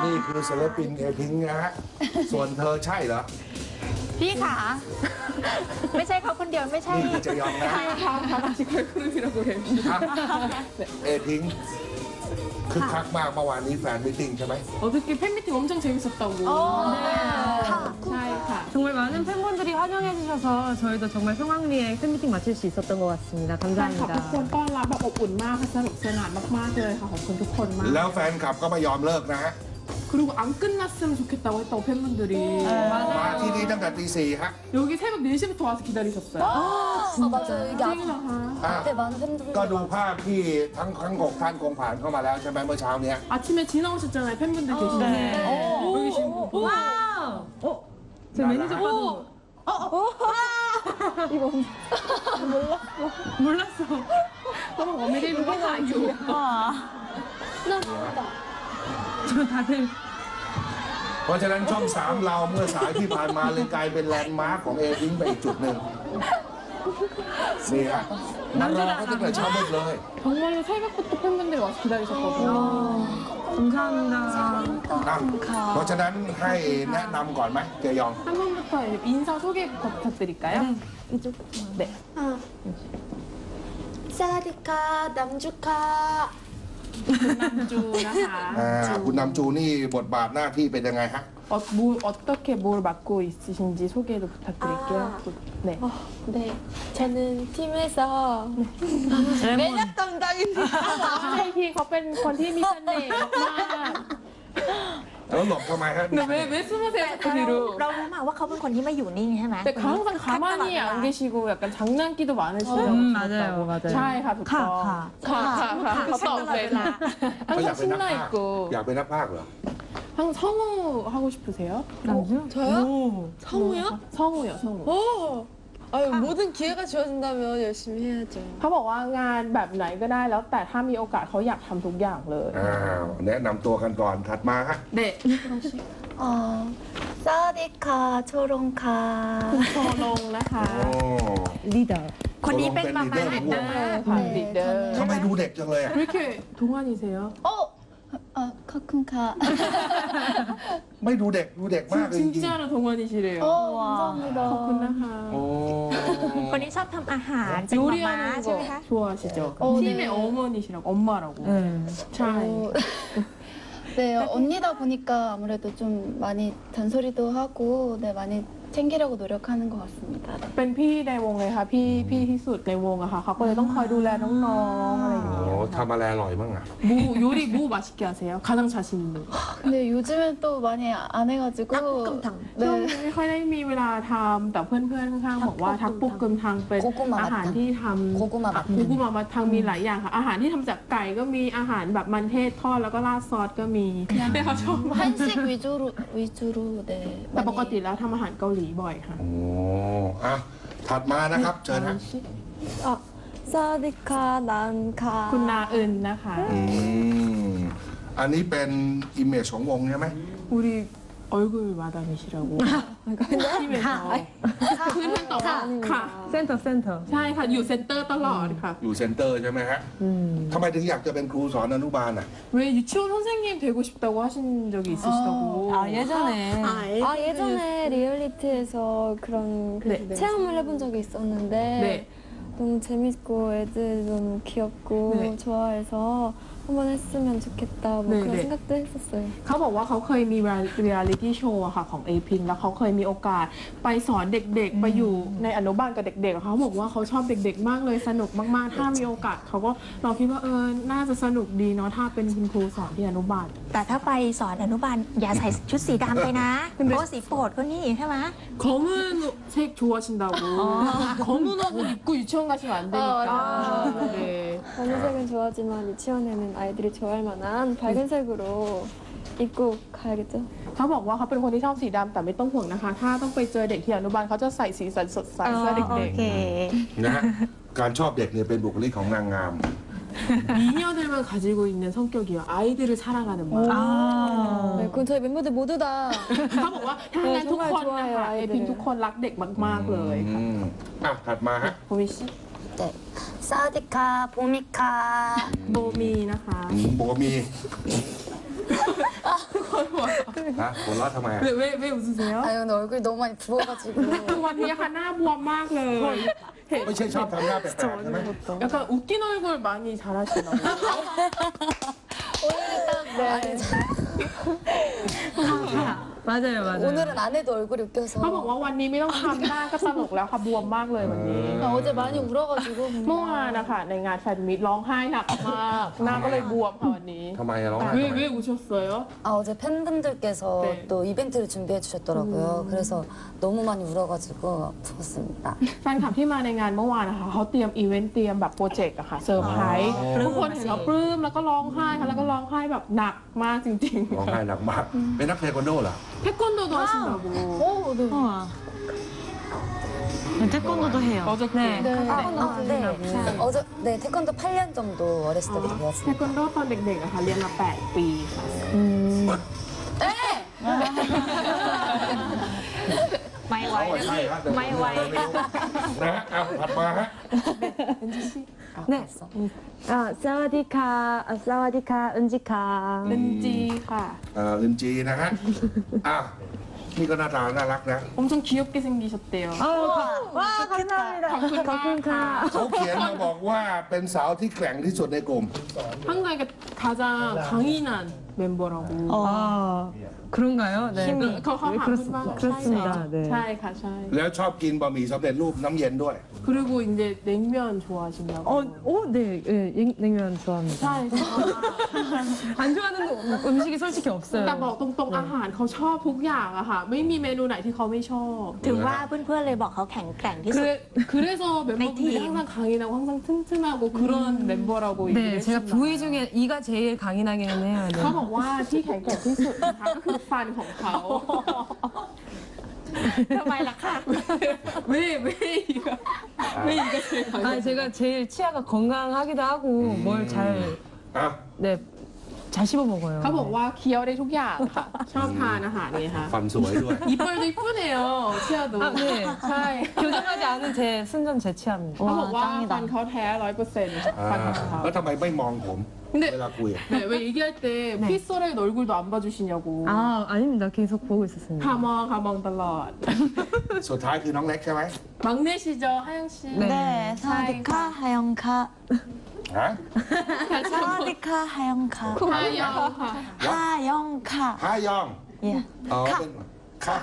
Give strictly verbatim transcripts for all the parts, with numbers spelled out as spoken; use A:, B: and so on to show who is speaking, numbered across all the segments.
A: นี่คือศิลปินเอพิงนะฮะส่วนเธอใช่เหรอ
B: พี่ขาไม่ใช่เขาคนเดียวไม่ใช่
A: นี่คือจะยอมนะ
C: 다 다시 걸그룹이라고 해요.
A: เอพิงคึกคักมากเมื่อวานนี้แฟนมิทติ้งใช่ไหม
C: 어저께 팬미팅 엄청 재밌었다고. 네.
D: 정말 많은 팬분들이 환영해 주셔서 저희도 정말 성황리에 팬미팅 마칠 수 있었던 것 같습니다.
C: แฟนคลับ
D: 감사합니다.
C: ทุกคนต้อนรับแบบอบอุ่นมากค่ะสนุกสนานมากๆเลยค่ะขอบคุณทุกคนมาก
A: แล้วแฟนคลับก็ไม่ยอมเลิกนะฮะ
C: 그리고 안 끝났으면 좋겠다고 했다고 팬분들이
A: มาที่นี่ตั้งแต่ตีสี่ฮะ
C: 여기 새벽 네 시부터 와서 기다리셨어요.
B: 아 맞아요 여기 앞
C: 찡이라하.
A: อ่ะ
B: 때 많은 팬들이
A: ก็ดูภาพที่ทั้งทั้งหกท่านคงผ่านเข้ามาแล้วใช่ไหมเมื่อเช้าเนี้ย
C: 아침에 지나오셨잖아요. 팬분들 계시네.
D: 네.
C: 오, 여기 계신 분.
D: 와우! 어? 제 매니저
A: 나라.
D: 봐도 어? 어? 이거 몰랐어. 몰랐어.
C: 너무 어메리 누가 아유.
D: 저 다들
A: เพราะฉะนั้นช่องสามเราเมื่อสายที่ผ่านมาเลยกลายเป็นแลนด์มาร์คของเอพิงไปอีกจุดหนึ่งนี่ฮะมารอเขาตั้งแต่เช้ามืดเลย
C: 정말로 새벽부터 팬분들이 와서 기다리셨거든요.
D: 감사합니다.
A: นะเพราะฉะนั้นให้แนะนำก่อนไหมเจยอง
C: 한 번부터 인사 소개 부탁드릴까요?
D: 이쪽.
C: 네.
B: 사디카 남주카
C: 남주 나하.
A: อ่าคุณนำจูนี่บทบาทหน้าที่เป็นยังไงฮะ
C: 어, 뭐, 어떻게 뭘 맡고 있으신지 소개도 부탁드릴게요.
B: 아.
C: 네.
B: 어, 네 저는 팀에서 매력 담당입니다
C: ใช่พี่เขาเป็นคนที่มีเสน่ห์มาก
A: แล้วหลบทำไมฮะ
C: 근데 왜, 왜 숨으세요, 그
B: เรา
C: 뒤로?
B: เรารู้มาว่าเขาเป็นคนที่ไม่อยู่นิ่งใช่ไหม
C: 근데 항상 가만히 안 계시고 약간 장난기도 많으시다고
D: 음,
C: 들었다고.
D: 맞아요, 맞아요.
C: ใช่ค่ะถูกต้อง
D: ค่ะ
C: ค่ะค่ะค่ะเขาตอบเลยนะ
A: เขาอยาก
C: 항상
A: เป็นนัก
C: 신나
A: พากย์
C: 있고
A: อยากเป็นนักพากย์เหรอ
C: 항상 성우 하고 싶으세요?
D: 남주?
B: 저요?
D: 오.
B: 성우요?
C: 성우요, 성우.
B: 오 아유 모든 기회가 주어진다면 열심히 해야죠
C: เขาบอกว่างานแบบไหนก็ได้แล้วแต่ถ้ามีโอกาสเขาอยากทำทุกอย่างเลย
A: อ้าวแนะนำตัวกันก่อนถัดมาฮะ
C: เด็ก
B: 어 사디카 초롱카
C: โชว์ลงนะคะ
A: โอ้
D: 리더.
B: คนนี้เป็นมาม่า
A: เป็นลีดเดอร์
C: ค่ะลีดเดอร์
A: ทำไมดูเด็กจังเลยอะ
C: 왜 이렇게 동안이세요?
B: 어? 아 카쿤카
A: ไม่ดูเด็กดูเด็กมากเลยจริง
C: 진짜로 동안이시래요.
B: 어 감사합니다
C: ขอบคุณนะคะ
A: ๆโอ้
B: คนนี้ชอบทำอาหารเป็นมาม่า
C: 요리하는
B: ใช่ไหมคะ
C: 거 좋아하시죠?
B: 어,
C: 팀의
B: 네.
C: 어머니시라고 엄마라고.
D: 네.
C: 자,
E: 어, 네, 언니다 보니까 아무래도 좀 많이 잔소리도 하고, 네, 많이 챙기려고 노력하는 것 같습니다.
C: เป็นพี่ในวงเลยค่ะพี่พี่ที่สุดในวงอะค่ะเขาก็เลยต้องคอยดูแลน้องๆอะไรอย่าง
A: โอ้
C: เงี้ยค่ะ
A: ทำอะไรอร่อยบ้างอะ
C: 뭐 요리 뭐 맛있게 하세요? 가장 자신 있는 거.
E: 근데 요즘엔 또 많이 안 해가지고,
B: 닭볶음탕.
C: ช่วง
E: 네,
C: นี้ไม่ค่อยได้มีเวลาทำแต่เพื่อนๆข้างๆบอกว่าทักปุกกึมทางเป็น
B: โกกุมะ
C: อาหารที่ทำ
B: โกกุมะบัต
C: โกกุมะบัตทางมีหลายอย่างค่ะอาหารที่ทำจากไก่ก็มีอาหารแบบมันเทศทอดแล้วก็ราดซอสก็มีแต่เขาชอบมาก
E: 한식 위주로, 위주로, 네.
C: แต่ปกติ
E: 많이
C: แล้วทำอาหารเกาหลีบ่อยค่ะ
A: โอ้อะถัดมานะครับเชิญฮะ
E: 사디카, 난카.
C: คุณนาเอินนะคะ
A: อืมอันนี้เป็นอิมเมจของวงใช่ไหม
C: 우리 얼굴 마담이시라고 팀에서 พื้นมันตอบว่าค่ะ
D: 센터 센터.
C: ใช่ค่ะอยู่เซ็นเตอร์ตลอดค่ะ
A: อยู่เซ็นเตอร์ใช่ไหมฮะ
D: 음.
A: ทำไมถึงอยากจะเป็นครูสอนอนุบาลอ่ะ
C: 왜 유치원 선생님 되고 싶다고 하신 적이 있으시다고
D: 아 예전에.
E: 아, 예전에 리얼리티에서 그런 그
C: 네.
E: 체험을 해본 적이 있었는데,
C: 네.
E: 너무 재밌고 애들도 너무 귀엽고
C: 네.
E: 좋아해서 한번 했으면 좋겠다 뭐
C: 네,
E: 그런
C: 네.
E: 생각도 했었어요.
C: เขาบอกว่าเขาเคยมีเรียลิตี้โชว์ค่ะของเอพิงแล้วเขาเคยมีโอกาสไปสอนเด็กๆ ไปอยู่ในอนุบาลกับเด็กๆ เขาบอกว่าเขาชอบเด็กๆ มากเลยสนุกมากๆ ถ้ามีโอกาสเขาก็เราคิดว่าเออน่าจะสนุกดีเนาะถ้าเป็นคุณครูสอนที่อนุบาล
B: แต่ถ้าไปสอนอนุบาลอย่าใส่ชุดสีดำไปนะเพราะว่าสีโปรดเขานี่ใช่ไหม
C: 검은 색 좋아하신다고 검은 옷 입고 유치원 가시면 안 되니까 네.
E: 검은색은 좋아하지만 유치원에는 아이들이 좋아할 만한 밝은 색으로 입고 가야겠죠.
C: เขาบอกว่าเขาเป็นคนที่ชอบสีดำแต่ไม่ต้องห่วงนะคะ ถ้าต้องไปเจอเด็กที่อนุบาลเขาจะใส่สีสันสดใสเสื้อ
B: โอ
C: เด็ก
B: เค
A: นะฮะ การชอบเด็กเนี่ยเป็นบุคลิกของนางงาม
C: ๆ 미녀들만 가지고 있는 성격이요. 아이들을 사랑하는 마음.
D: 아.
E: 네, 그건 저희 멤버들 모두 다
C: เขาบอกว่าถ้างั้นทุกคนนะคะเอพิงทุกคนรักเด็กมากๆเลย
A: อืมอ่ะถัดมาฮะ
C: โบมิชิ
B: 네 사디카 보미카
C: โบมีนะคะ
A: อืมโบมี
C: ทุกคนโบ
A: ฮะหัวเราะทำไมอะ
C: 왜, 왜, 왜 웃으세요?
E: 아니 오늘 얼굴이 너무 많이 부어가지고
C: คือวันนี้ค่ะหน้าบวมมากเลยเห็น
A: ไม่ใช่ชอบทำหน้าแปลกๆใช่ไหม
C: 약간 웃긴 얼굴 많이 잘하시나 봐요.
E: 오늘은 딱 많이
D: 맞아요, 맞아요.
E: 오늘은 안 해도 얼굴이 웃겨서
C: เขาบอกว่าวันนี้ไม่ต้องทำหน้าก็ตลกแล้วค่ะบวมมากเลยวันนี้
E: 아, 어제 많이 울어가지고
C: เมื่อวานนะคะในงานแฟนมิตร้องไห้หนักมากหน้าก็เลยบวมค่ะวันนี้
A: ทำไมอะร้องไห้ทำ
C: 왜,
A: ไม
C: 왜 우셨어요?
E: 아, 어제 팬분들께서
C: 네.
E: 또 이벤트를 준비해 주셨더라고요. 그래서 너무 많이 울어가지고 부었습니다.
C: แฟนคลับที่มาในงานเมื่อวานนะคะเขาเตรียมอีเวนต์เตรียมแบบโปรเจกต์อะค่ะเซอร์ไพรส์ทุกคนเห็นเราปลื้มแล้วก็ร้องไห้ค่ะแล้วก็ร้องไห้แบบหนักมากจริง
A: ร้องไห้หนักมากเป็นนักเทควันโดเหรอ
C: ๆเทควันโดโด하신다고
E: 오, 네.
D: 우와. 태권도도 해요.
C: 어저께
D: 네.
E: 네.
B: 아,
E: 아, 네. 어제 네 태권도 팔 년 정도 어렸을 때부터
C: เท
E: 배웠습니다.
C: ควันโดตอนเด็กๆอะค่ะเรียนมาแปดปีค่ะ
B: ไม่ไหว
A: เขาอะ
B: นะ
A: ใช่
B: พี่
A: ฮะแต่
B: ไม่ไหว
A: นะฮะเอาถัดมาฮะ
D: 네. 아, 사와디카, 아, 사와디카, 은지카.
C: เป็นจีค่ะ
A: เอ่อลินจีนะฮะอ้าวนี่ก็หน้าตาน่ารักนะ
C: 엄청 귀엽게 생기셨대요.
D: 아유, 가- 와, 감사합니다. 가끔가.
A: เขาเขียนมาบอกว่าเป็นสาวที่แกร่งที่สุดในกลุ่ม
C: 한국에 가장 강인한 멤버라고.
D: 아, 그런가요? 네.
C: 힘이.
D: 그,
C: 그거
D: 네, 그렇, 그렇습니다. 네.
C: ใช่ค่ะใช่
A: แล้วชอบกินบะหมี่สำเร็จรูปน้ำเย็นด้วย
C: 그리고 이제 냉면 좋아하신다고.
D: 어, 오, 네, 예, 예, 냉면 좋아합니다.
C: ใช่
D: 안 좋아하는 음식이 솔직히
C: แต่บอ
D: 없어요.
C: กตรงๆอาหารเขาชอบทุกอย่างอะค่ะ ไม่มีเมนูไหนที่เขาไม่ชอบ
B: ถึงว่าเพื่อนๆเลยบอกเขาแข็งแกร่งที่สุด
C: 그래, 그래서 멤버들이
B: 파이팅.
C: 항상 강인하고 항상 튼튼하고 그런 멤버라고
D: 네,
C: 얘기를
D: 제가
C: 했습니다.
D: 부위 중에 이가 제일 강인하기는 해요. 네.
C: เขาบอกว่าที่แข็งแกร่งที่สุดนะคะก็คือฟันของเขา
B: ทำไมล่ะคะ
C: 왜, 왜 이가, 왜 이가 제일 강해?
D: 아, 제가 제일 치아가 건강하기도 하고 뭘 잘,
A: อ่ะ
D: 네, 잘 씹어 먹어요.
C: เขาบอกว่าเคี้ยวได้ทุกอย่างค่ะ ชอบทานอาหารนี่ค่ะ
A: ฟันสวยด้วย
C: 이빨도 이쁘네요. 치아도.
D: 아, 네.
C: ใช่
D: 교정하지 않은 제 순전 제 치아입니다.
C: เขาบอกว่าฟันเขาแท้ร้อยเปอร์เซ็นต์
A: อ่า
C: ฟันของเขา
A: แล้วทำไมไม่มองผม
C: 근데
A: เวลาคุยอะ
C: 네, 왜 얘기할 때
D: 네.
C: 피소라의 얼굴도 안 봐주시냐고.
D: 아, 아닙니다. 계속 보고 있었습니다.
C: 가망 가망 달라.
A: สุดท้ายคือน้องเล็กใช่ไหม
C: 막내시죠 하영 씨.
D: 네.
B: 네, 사와디카 하영카
A: ฮะ
B: 사와디카 하영카
C: 하영.
B: 하영카
A: ฮายอง
B: 예
A: อ๋อเป็นค่ะ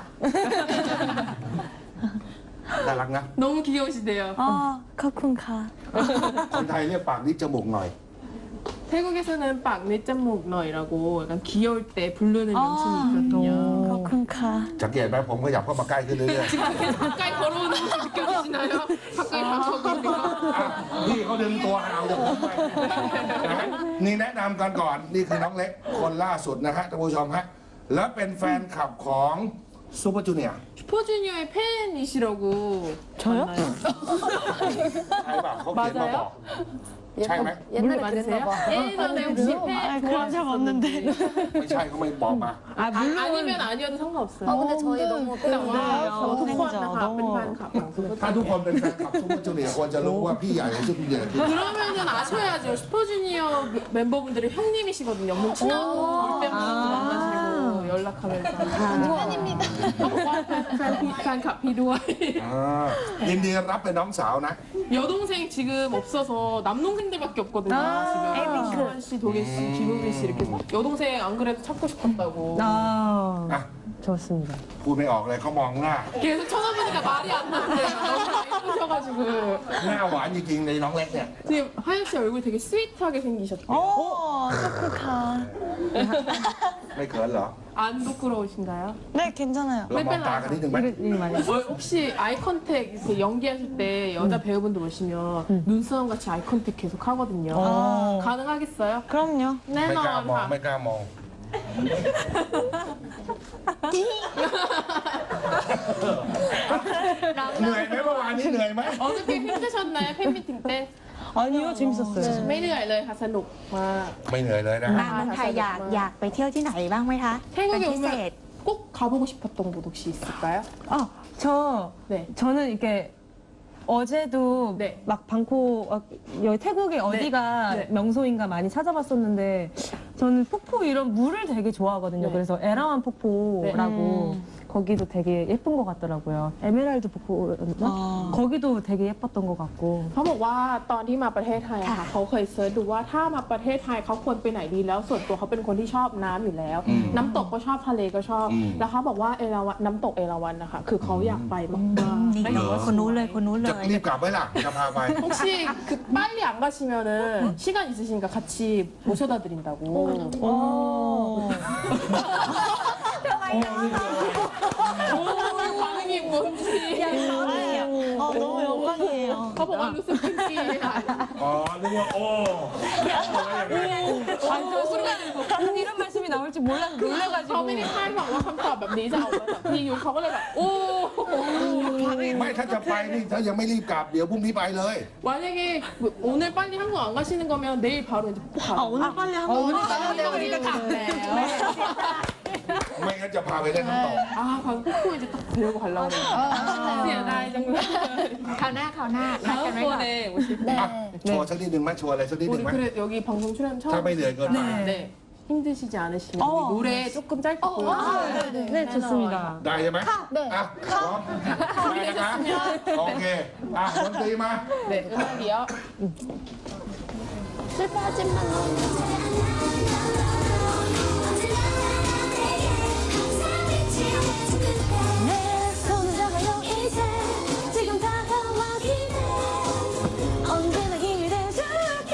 A: น่ารักนะ
C: 너무 귀여우시대요.
B: 어, 커쿤카
A: คนไทยเรียกปากนิดจมูกหน่อย
C: 태국에서는 빡내 짬목 너이라고 약간 귀여울 때 부르는
B: 아.
C: 명칭이 있거든요.
B: 커쿤카
A: สังเกตไหมผมขยับเข้ามาใกล้ขึ้นเรื่อย
C: 가까이 걸어오는 거 느껴지시나요? 가까이 다가오니까.
A: ๆอ่ะพี่เขาดึงตัวห่างจากผมไปนะฮะนี่แนะนำกันก่อน นี่คือน้องเล็กคนล่าสุดนะฮะท่านผู้ชมฮะ แล้วเป็นแฟนคลับของซูเปอร์จูเนียร์
C: 슈퍼주니어의 팬이시라고.
B: 저요?
C: 맞나요?
A: ใช่ป่ะเขาเขียนมาบอก ใช่ไหม
E: 옛날에
C: 물론
E: 그랬나
C: 맞으세요?
E: 봐.
C: 예전에 혹시 팬
B: 그런 적 없는데
A: ไม่ใช่เขาไม่บอกมา
D: 아,
C: 아,
D: 물론.
C: 아니면 아니어도 상관없어요.
E: 아 근데 저희 너무
C: 근데
E: 팬인데요.
C: 와,ทุกคนนะคะ
B: 너무
C: เป็นแฟนคลับของซูเปอร์
A: ถ้าทุกคนเป็นแฟนคลับซูเปอร์จูเนียร์ควรจะรู้ว่าพี่ใหญ่ของซูเปอร์จูเนียร์คือ
C: 그러면은 아셔야죠. 슈퍼주니어 멤버분들이 형님이시거든요. 엄청 친하고 올 때마다 만나시고 연락하면서.
E: 팬입니다.
C: 팬 팬 비도와이.
A: อ่ายินดีรับเป็นน้องสาวนะ
C: 여동생 지금 없어서 남동생들밖에 없거든요.
D: 아,
C: 지금
B: 에이핑크.
C: 수환 씨, 도계 씨, 김우빈 씨 이렇게 여동생 안 그래도 찾고 싶었다고.
D: 아,
A: 아.
D: 좋습니다.
A: พูดไม่ออกเลยเขามองหน้า
C: 계속 쳐다보니까 말이 안 나는데요. 너무 예쁘셔가지고.
A: หน้าหวานจริงๆในน้องเล็กเนี่ย
C: 지금 하영 씨 얼굴 되게 스윗하게 생기셨대요.
B: 오, 커쿤카
A: ไม่เขินเหรอ
C: 안 부끄러우신가요?
B: 네, 괜찮아요
A: เรามองตากันนิดนึงไหม
D: 이런 일 많이.
C: 어, 혹시 아이 컨택 이렇게 연기하실 때 여자 배우분들 보시면 눈싸움 같이 아이 컨택 계속 하거든요.
B: 어.
C: 가능하겠어요?
B: 그럼요
A: ไม่กล้า
C: 내놔
A: มองไม่กล้ามอง เหนื่อยไหมเมื่อวานนี้เหนื่อยไหม
C: 어저께 힘드셨나요? 팬미팅 때?
D: 아니요, 재밌었어요.
C: ไม่เหนื่อยเลยค่ะสนุกมาก
A: ไม่เหนื่อยเลยนะฮะ
B: มาเมืองไทยอยากอยากไปเที่ยวที่ไหนบ้างไหมคะเป็น
C: 태국에
B: พิเศษ
C: 오면 꼭 가보고 싶었던 곳 혹시 있을까요?
D: 아, 저,
C: 네.
D: 저는 이렇게 어제도
C: 네.
D: 막 방콕, 어, 여기 태국에 어디가
C: 네.
D: 명소인가 많이 찾아봤었는데 저는 폭포 이런 물을 되게 좋아하거든요.
C: 네.
D: 그래서 에라완 폭포라고
B: 네.
D: 거기도 되게 예쁜 것 같더라고요. 에메랄드 폭포였나? 거기도 되게 예뻤던 것 같고.
C: เขาบอกว่าตอนที่มาประเทศไทยอะค่ะเขาเคยเซิร์ชดูว่าถ้ามาประเทศไทยเขาควรไปไหนดีแล้วส่วนตัวเขาเป็นคนที่ชอบน้ำอยู่แล้ว
A: อืม
C: น้ำตกก็ชอบทะเลก็ชอบ
A: อืม
C: แล้วเขาบอกว่าเอราวัณน้ำตกเอราวัณนะคะคือเขาอยากไปมาก
B: นี่
C: ๆ
B: คนนู้นเลยคนนู้นเล
A: จะ
B: ย
A: รีบกลับไหมล่ะจะพาไป
C: 혹시 그 빨리 안 가시면은 시간 있으시니까 같이 모셔다 드린다고. 반응이 뭔지.
B: 어, 너무 영광이에요.
C: 가보가 루스 핑키.
A: อ๋อนึกว่าโอ้
D: 완전 순간 이런 말씀이 나올 줄 몰라서
C: เขา
D: 놀래가지고.
C: ไม่ได้คาดหวังว่าคำตอบแบบนี้จะออกมาจากพี่ยุทธเขาก็เลยแบบโอ้
A: ไม่ถ้าจะไปนี่ถ้ายังไม่รีบกลับเดี๋ยวพรุ่งนี้ไปเลย
C: 만약에 오늘 빨리 한국 안 가시는 거면 내일 바로 이제 꼭 가요.
B: 아, 오늘 빨리 한국
C: 오늘
B: 안
C: 빨리
B: 가요.
C: 우리가 갔네요.
A: ไม่งั้นจะพาไปเล่นน้ำตก
C: 아, 방금 폭포 이제 딱 데리고 가려고 그래요. 아, 나 정말.
B: คราวหน้าคราวหน้านัดกันไว้ก่อน
C: 다음번에 오실 때.
A: อ่ะโชว์สักนิดหนึ่งไหมโชว์อะไรสักนิดหนึ่
C: 우리
A: งไหม
C: 그래 여기 방송 출연 처음.
A: ถ้าไม่เหนื่อยเกินไป
C: 네. 힘드시지 않으시면
B: 어.
C: 우리 노래 조금 짧게 보여주세요.
D: 네, 좋습니다.
A: ได้ใช่ไหม
E: 네.
A: อ่ะพร้อมได้นะครับโอเคอ่ะดนตรีมา
C: 네, 음악이요.
E: 슬퍼하지만
F: 내 손을 잡아요 이제 지금 다가와 기대 언제나 힘이 돼줄게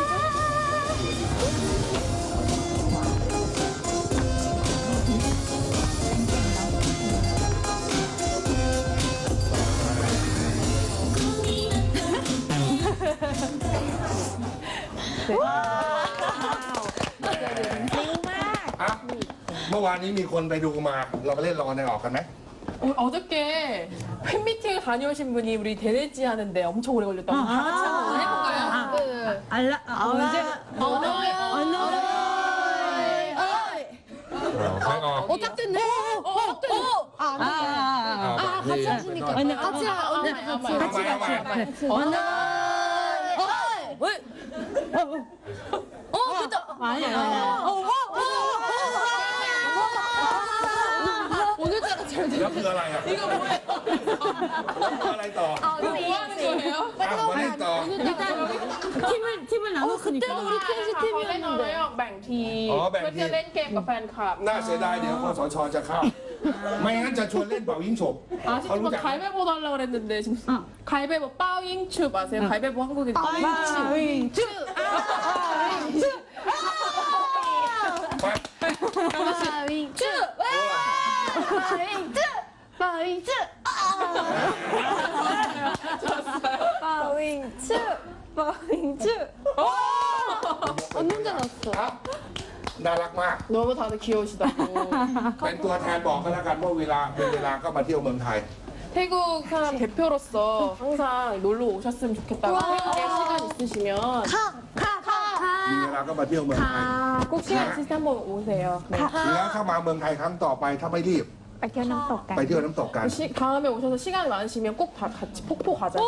B: จริงมาก
A: อ่ะเมื่อวานนี้มีคนไปดูมา เราไปเล่นรอในออกกันไหม
C: 어, 어저께 팬미팅 다녀오신 분이 우리 데네지 하는데 엄청 오래 걸렸다고 다 같이 한번 해볼까요?
E: 그
D: 알라, 아, 언제?
C: 언어의 언어의
A: ใครออก
E: 어, 딱 됐네. 어, 딱 됐네.
D: 아, 아, 아.
A: 아, 같이 하시니까.
C: 언어
E: 같이 하, 언어 같이 하.
A: 같이 같이.
C: 언어
E: 어, 그죠?
D: 아니, 아니.
C: 오늘따라 잘
A: แล้วคืออะไรอ่ะ
C: 이거 뭐예요?
A: แล้วคืออะไรต่อ
C: 뭐 하는 거예요?
A: อ่ะมาเล่นต่อ
D: 팀을, 팀을 나눴으니까.
C: 그때도 우리 퀸시 팀이었는데แบ่งทีม
A: อ๋อแบ่งทีม
C: เพื่อจะเล่นเกมกับแฟนคลับ
A: น่าเสียดายเดี๋ยวคสชจะเข้า ไม่งั้นจะชวนเล่นเป่ายิงฉก
C: 아
A: เขา
C: 지금
A: รู้จัก
C: 가위바위보 하려고 그랬는데 지금 가위바위보 빠잉추 아세요? 가위바위보 한국에 빠잉추
A: ไป
E: 바윙쭈! 바윙쭈! 바윙쭈! 바윙쭈! 바윙쭈! 언니 혼자 났어.
A: ครับน่ารักมาก
C: 너무 다들 귀여우시다고
A: เป็นตัวแทนบอกกันแล้วกันว่าเวลาเป็นเวลาก็มาเที่ยวเมืองไทย
C: 태국 사람 대표로서 항상 놀러 오셨으면 좋겠다고 태국에 시간 있으시면
A: มีเวลาก็มาเที่ยวเมืองไทย
C: 꼭 시간 있으실 때 한번 오세요. 네.
A: แล้วถ้ามาเมืองไทยครั้งต่อไปถ้าไม่รีบ
B: ไปเที่ยวน้ำตกกัน
A: ไปเที่ยวน้ำตกกัน
C: 시, 다음에 오셔서 시간이 많으시면 꼭 다 같이 폭포 가자고.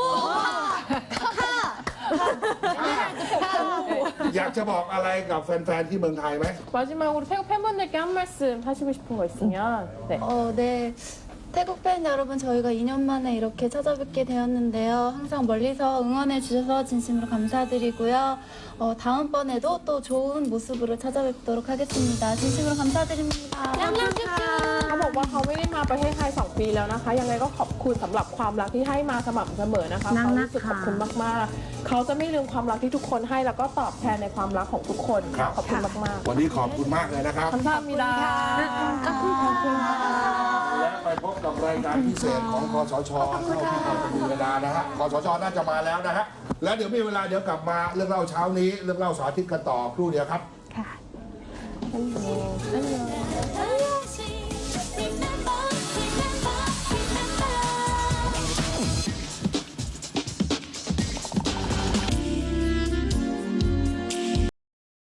A: อยากจะบอกอะไรกับแฟนๆที่เมืองไทยไหม
C: 마지막으로 태국 팬분들께 한 말씀 하시고 싶은 거 있으면 네.
E: 어, 네. 태국 팬 여러분, 저희가 이 년 만에 이렇게 찾아뵙게 되었는데요. 항상 멀리서 응원해 주셔서 진심으로 감사드리고요. 어, 다음번에도 또 좋은 모습으로 찾아뵙도록 하겠습니다. 진심으로 감사드립니다.
C: เขาบอกว่าเขาไม่ได้มาประเทศไทยสองปีแล้วนะคะ ยังไงก็ขอบคุณสำหรับความรักที่ให้มาสม่ำเสมอนะคะเขารู้สึกขอบคุณมากๆ เขาจะไม่ลืมความรักที่ทุกคนให้แล้วก็ตอบแทนในความรักของทุกคน
A: ครับ
C: ขอบคุณมาก
A: วันนี้ขอบคุณมากเลยนะครับ
C: ๆ 감사합니다.
A: และไปพบกับรายการพิเศษของคสชเท่าที่พอจะมีเวลานะฮะคสชน่าจะมาแล้วนะฮะแล้วเดี๋ยวมีเวลาเดี๋ยวกลับมาเรื่องเล่าเช้านี้เรื่องเล่าสาธิตกันต่อครู่เดียวครับ
B: ค่ะ
E: 안녕.